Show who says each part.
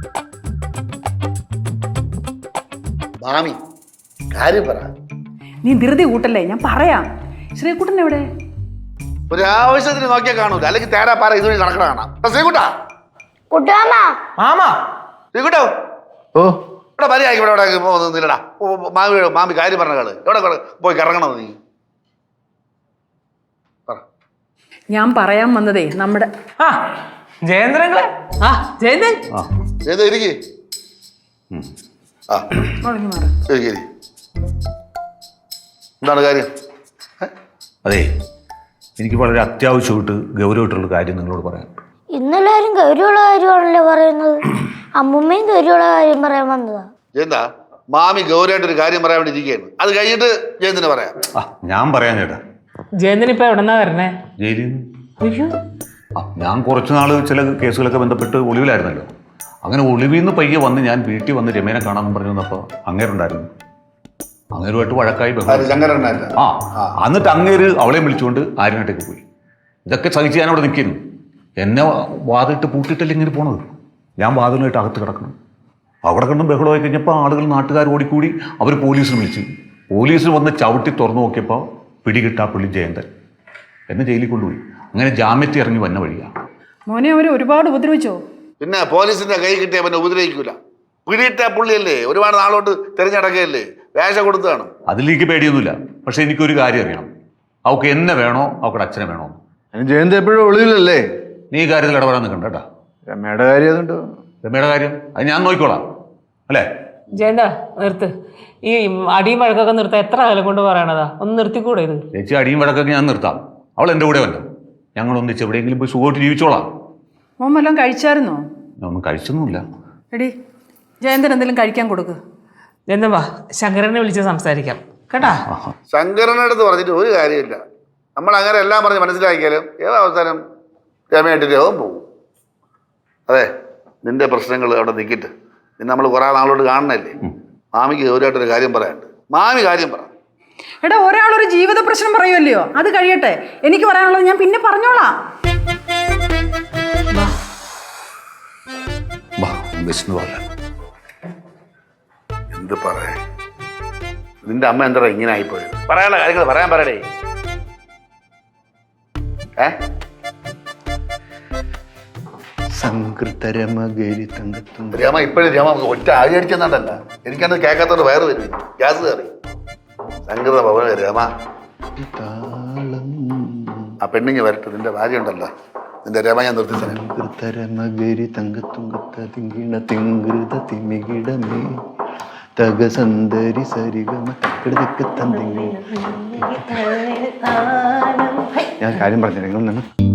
Speaker 1: മാമി കാര്യം പറ.
Speaker 2: നീ ധൃതി കൂട്ടല്ലേ, ഞാൻ പറയാം. ശ്രീകുട്ടൻ എവിടെ?
Speaker 1: ഒരാവശ്യത്തിന് നോക്കിയാൽ കാണൂല, അല്ലെങ്കിൽ തേരാ പാറ ഇതുവഴി നടക്കണ കാണാം. ശ്രീകുട്ടാ ശ്രീകുട്ടോ,
Speaker 3: ഓ
Speaker 1: ഇവിടെ മര്യാദ ഇവിടെ നില്ലടാ. മാമി കാര്യം പറഞ്ഞ കള് എവിടെ പോയി കറങ്ങണത് നീ?
Speaker 2: ഞാൻ പറയാൻ വന്നതേ നമ്മുടെ
Speaker 4: ജയേന്ദ്രങ്ങളെ. ജയന്തൻ
Speaker 1: ഇരിക്കേ. എന്താണ് കാര്യം?
Speaker 3: അതെ, എനിക്ക് വളരെ അത്യാവശ്യമായിട്ട് ഗൗരവമായിട്ടുള്ള കാര്യം നിങ്ങളോട് പറയാം.
Speaker 5: ഇന്നെല്ലാരും ഗൗരവമുള്ള കാര്യമാണല്ലോ പറയുന്നത്. അമ്മുമ്മയും ഗൗരവമുള്ള കാര്യം പറയാൻ വന്നതാ.
Speaker 1: എന്താ മാമി ഗൗരവമായിട്ടൊരു കാര്യം പറയാൻ വേണ്ടി ഇരിക്കുകയാണ്. അത് കഴിഞ്ഞിട്ട് ജയന്തിന് പറയാം.
Speaker 3: ഞാൻ പറയാൻ ചേട്ടാ.
Speaker 4: ജയന്തൻ ഇപ്പൊ എവിടെന്നാ വരണേ?
Speaker 3: ജയിലിൽ നിന്ന്. ഞാൻ കുറച്ച് നാള് ചില കേസുകളൊക്കെ ബന്ധപ്പെട്ട് ഒളിവിലായിരുന്നല്ലോ. അങ്ങനെ ഒളിവിൽ നിന്ന് പയ്യെ വന്ന് ഞാൻ വീട്ടിൽ വന്ന് രമേനെ കാണാമെന്ന് പറഞ്ഞു വന്നപ്പോൾ അങ്ങേരുണ്ടായിരുന്നു. അങ്ങേരുമായിട്ട് വഴക്കായി എന്നിട്ട് അങ്ങേര് അവളെ വിളിച്ചുകൊണ്ട് ആര്യനാട്ടേക്ക് പോയി. ഇതൊക്കെ സഹിച്ച് ഞാൻ അവിടെ നിൽക്കുന്നു. എന്നെ വാതിലിട്ട് പൂട്ടിയിട്ടല്ലേ ഇങ്ങനെ പോണത്. ഞാൻ വാതിലുമായിട്ട് അകത്ത് കിടക്കണം. അവിടെ കണ്ടും ബഹളമായി കഴിഞ്ഞപ്പോൾ ആളുകൾ നാട്ടുകാർ ഓടിക്കൂടി അവർ പോലീസിന് വിളിച്ചു. പോലീസിൽ വന്ന് ചവിട്ടി തുറന്നു നോക്കിയപ്പോൾ പിടികിട്ടാ പുള്ളി ജയന്തൻ എന്നെ ജയിലിൽ കൊണ്ടുപോയി. അങ്ങനെ ജാമ്യത്തിൽ ഇറങ്ങി വന്ന വഴിയാണ്.
Speaker 2: മോനെ അവർ ഒരുപാട് ഉപദ്രവിച്ചോ?
Speaker 1: പിന്നെ പോലീസിന്റെ കൈ കിട്ടിയ പിന്നെ ഉപദ്രവിക്കൂല. പിടിയിട്ട പുള്ളിയല്ലേ, ഒരുപാട് നാളോട്ട് തിരഞ്ഞടക്കുകയല്ലേ, വേഷ കൊടുത്താണ്.
Speaker 3: അതിലേക്ക് പേടിയൊന്നുമില്ല. പക്ഷെ എനിക്കൊരു കാര്യം അറിയണം, അവൾക്ക് എന്നെ വേണോ അവളുടെ അച്ഛനെ വേണോ?
Speaker 6: ജയന്ത് എപ്പോഴും ഒളിവിലല്ലേ?
Speaker 3: നീ ഈ കാര്യത്തിൽ ഇടപെടാൻ നിൽക്കണ്ട കേട്ടാ.
Speaker 6: രമയുടെ കാര്യം അതുണ്ടോ?
Speaker 3: രമയുടെ കാര്യം അത് ഞാൻ നോക്കിക്കോളാം അല്ലേ?
Speaker 4: ജയന്ത നിർത്ത്. ഈ അടിയും വഴക്കൊക്കെ നിർത്താൻ എത്ര കാലം കൊണ്ട് പറയണതാ? ഒന്ന് നിർത്തിക്കൂടെ ഇത്?
Speaker 3: ചേച്ചി അടിയും വഴക്കൊക്കെ ഞാൻ നിർത്താം. അവൾ എൻ്റെ കൂടെ വന്നു. ഞങ്ങൾ ഒന്നിച്ച് എവിടെയെങ്കിലും പോയി സുഖമായിട്ട് ജീവിച്ചോളാം.
Speaker 2: മോൻ വല്ലതും കഴിച്ചായിരുന്നോ?
Speaker 3: ഞാൻ ഒന്നും കഴിച്ചൊന്നുമില്ല.
Speaker 2: എടി ജയന്തൻ എന്തെങ്കിലും കഴിക്കാൻ കൊടുക്ക്.
Speaker 4: ജയന്തൻ വാ, ശങ്കരനെ വിളിച്ച് സംസാരിക്കാം കേട്ടാ.
Speaker 1: ശങ്കരനടുത്ത് പറഞ്ഞിട്ട് ഒരു കാര്യമില്ല. നമ്മൾ അങ്ങനെ എല്ലാം പറഞ്ഞ് മനസ്സിലാക്കിയാലും ഏത് അവസാനം രമയായിട്ട് രോഗം പോകും. അതെ, നിന്റെ പ്രശ്നങ്ങൾ അവിടെ നിൽക്കിട്ട് നിന്നെ നമ്മൾ കുറേ നാളോട്ട് കാണണല്ലേ. മാമിക്ക് ഗൗരവമായിട്ടൊരു കാര്യം പറയാനുണ്ട്. മാമി കാര്യം പറ.
Speaker 2: എടാ, ഒരാളൊരു ജീവിത പ്രശ്നം പറയുമല്ലയോ, അത് കഴിയട്ടെ. എനിക്ക് പറയാനുള്ളത് ഞാൻ പിന്നെ പറഞ്ഞോളാം.
Speaker 1: എന്ത് പറയാ, നിന്റെ അമ്മ എന്താ ഇങ്ങനെ ആയിപ്പോയത്? പറയാനുള്ള കാര്യങ്ങൾ പറയാൻ പറയടേ. രമ ഇപ്പോഴും രമ ഒറ്റ ആഴി അടിച്ചെന്നുണ്ടല്ല, എനിക്കത് കേൾക്കാത്തോണ്ട് വയറ് വരും, ഗ്യാസ് കയറി. സംഗീത ഭവന രമ ആ പെണ്ണിങ്ങ് വരട്ടെ. നിന്റെ ഭാര്യ ഉണ്ടല്ലോ, നിന്റെ രമ ഞാൻ
Speaker 6: ഞാൻ കാര്യം പറഞ്ഞു നിങ്ങൾ